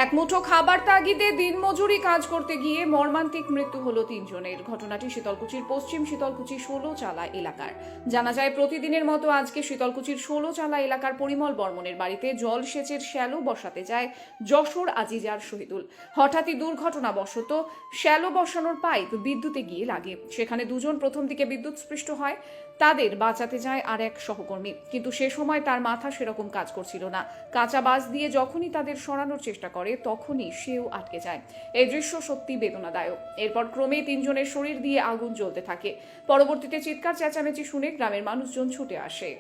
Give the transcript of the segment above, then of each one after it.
এক মুঠো খাবার তাগিদে দিনমজুরি কাজ করতে গিয়ে মর্মান্তিক মৃত্যু হলো তিনজনের। ঘটনাটি শীতলকুচির পশ্চিম শীতলকুচি ১৬ চালা এলাকার। জানা যায়, প্রতিদিনের মতো আজকে শীতলকুচির ১৬ চালা এলাকার পরিমল বর্মনের বাড়িতে জলসেচের শ্যালো বসাতে যায় যশোর আজিজার শহীদুল। হঠাৎই দুর্ঘটনাবশত শ্যালো বসানোর পাইপ বিদ্যুতে গিয়ে লাগে। সেখানে দুজন প্রথম দিকে বিদ্যুৎস্পৃষ্ট হয়। তাদের বাঁচাতে যায় আর এক সহকর্মী, কিন্তু সে সময় তার মাথা সেরকম কাজ করছিল না। কাঁচা বাঁশ দিয়ে যখনই তাদের সরানোর চেষ্টা করে তখনই সেও আটকে যায়। এই দৃশ্য সত্যি বেদনাদায়ক। এরপর ক্রমেই তিনজনের শরীর দিয়ে আগুন জ্বলতে থাকে। পরবর্তীতে চিৎকার চেঁচামেচি শুনে গ্রামের মানুষজন ছুটে আসে।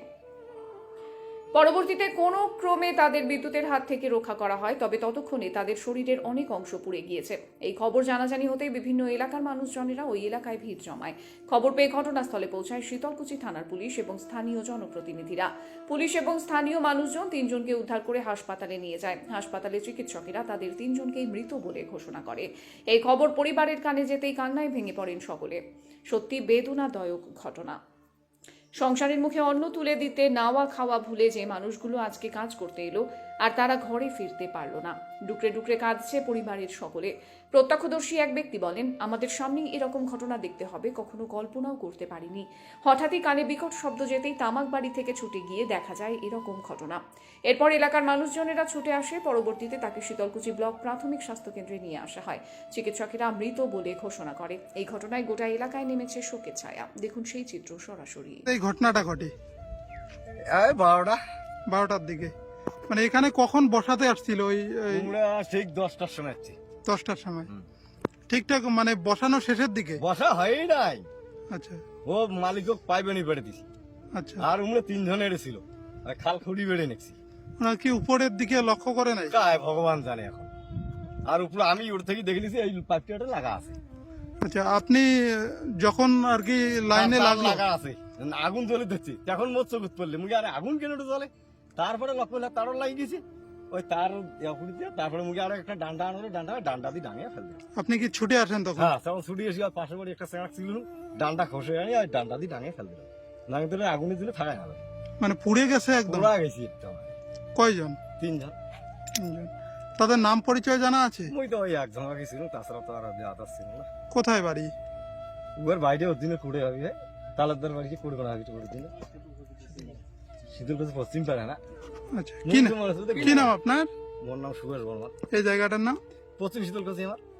পরবর্তীতে কোনো ক্রমে তাদের বিদ্যুতের হাত থেকে রক্ষা করা হয়, তবে ততক্ষণে তাদের শরীরের অনেক অংশ পুড়ে গিয়েছে। এই খবর জানাজানি হতেই বিভিন্ন এলাকার মানুষজনেরা ওই এলাকায় ভিড় জমায়। খবর পেয়ে ঘটনাস্থলে পৌঁছায় শীতলকুচি থানার পুলিশ এবং স্থানীয় জনপ্রতিনিধিরা। পুলিশ এবং স্থানীয় মানুষজন তিনজনকে উদ্ধার করে হাসপাতালে নিয়ে যায়। হাসপাতালে চিকিৎসকেরা তাদের তিনজনকেই মৃত বলে ঘোষণা করে। এই খবর পরিবারের কানে যেতেই কান্নায় ভেঙে পড়েন সকলে। সত্যি বেদনাদায়ক ঘটনা। সংসারের মুখে অন্ন তুলে দিতে নাওয়া খাওয়া ভুলে যে মানুষগুলো আজকে কাজ করতে এলো, আর তারা ঘরে ফিরতে পারল না। ডুকরে ডুকরে কাঁদছে পরিবারের সকলে। প্রত্যক্ষদর্শী এক ব্যক্তি বলেন, আমাদের সামনেই এরকম ঘটনা দেখতে হবে কখনো কল্পনাও করতে পারিনি। হঠাৎই কানে বিকট শব্দ যেতেই তামাক বাড়ি থেকে ছুটে গিয়ে দেখা যায় এরকম ঘটনা। এরপর এলাকার মানুষজনেরা ছুটে আসে। পরবর্তীতে তাকে শীতলকুচি ব্লক প্রাথমিক স্বাস্থ্যকেন্দ্রে নিয়ে আসা হয়। চিকিৎসকেরা মৃত বলে ঘোষণা করে। এই ঘটনায় গোটা এলাকায় নেমেছে শোকের ছায়া। দেখুন সেই চিত্র সরাসরি। এই ঘটনাটা ঘটে এই 12টার দিকে। মানে এখানে কখন বসাতে আসছিল? ওই আমরা ঠিক 10টার সময় যাচ্ছি। 10টার সময় ঠিকঠাক, মানে বসানো শেষের দিকে? বসা হয়ই নাই। আচ্ছা ও মালিক পাইবেনি বেড়ে দিছি। আচ্ছা। আর উমরা তিনজনের ছিল, খাল খুঁড়ি বেড়ে নেছি। ওরা কি উপরের দিকে লক্ষ্য করে নাই? কায় ভগবান জানে এখন। আর উপরে আমি ওর থেকে দেখে নিছি এই পাইপটা লাগা আছে। আচ্ছা, আপনি যখন আর কি লাইনে লাগলো, লাগা আছে, আগুন জ্বলে দিচ্ছি, তখন মোট চোখত পড়লে মুখে আরে আগুন কেন জ্বলে। তারপরে লক্ষ্য করলে তারও লাগিয়ে গেছে। ওই তার দিয়ে তারপরে মুখে আরো একটা ডান্ডা আনলো, ডান্ডা দিয়ে ডাঙিয়ে ফেলবে। আপনি কি ছুটে আসেন তখন? হ্যাঁ, তখন ছুটি এসে আর পাশের বাড়ি একটা চেঁড়া ছিল, ডান্ডা খসে আনি আর ডান্ডা দিয়ে ডাঙিয়ে ফেল দিল। ডাঙিয়ে দিলে আগুনে দিলে থাকা যাবে। মানে পুড়ে গেছে একদম? পুরা গেছি একদম। কয়জন? তিনজন। তাদের নাম পরিচয় জানা আছে? মুই তো ওই একজন আগে ছিল, তাছাড়া তো আর আদার ছিল না। কোথায় বাড়ি? উয়ার বাইরে ওর দিনে কুড়ে হবে, তালাদার বাড়িতে কুড়ে করা হবে ওর দিনে। শীতলকুচি পশ্চিম পাড়া না? আচ্ছা, কি নাম আপনার? মোর নাম সুভাষ বর্মা। এই জায়গাটার নাম? পশ্চিম শীতলকুচি আমার।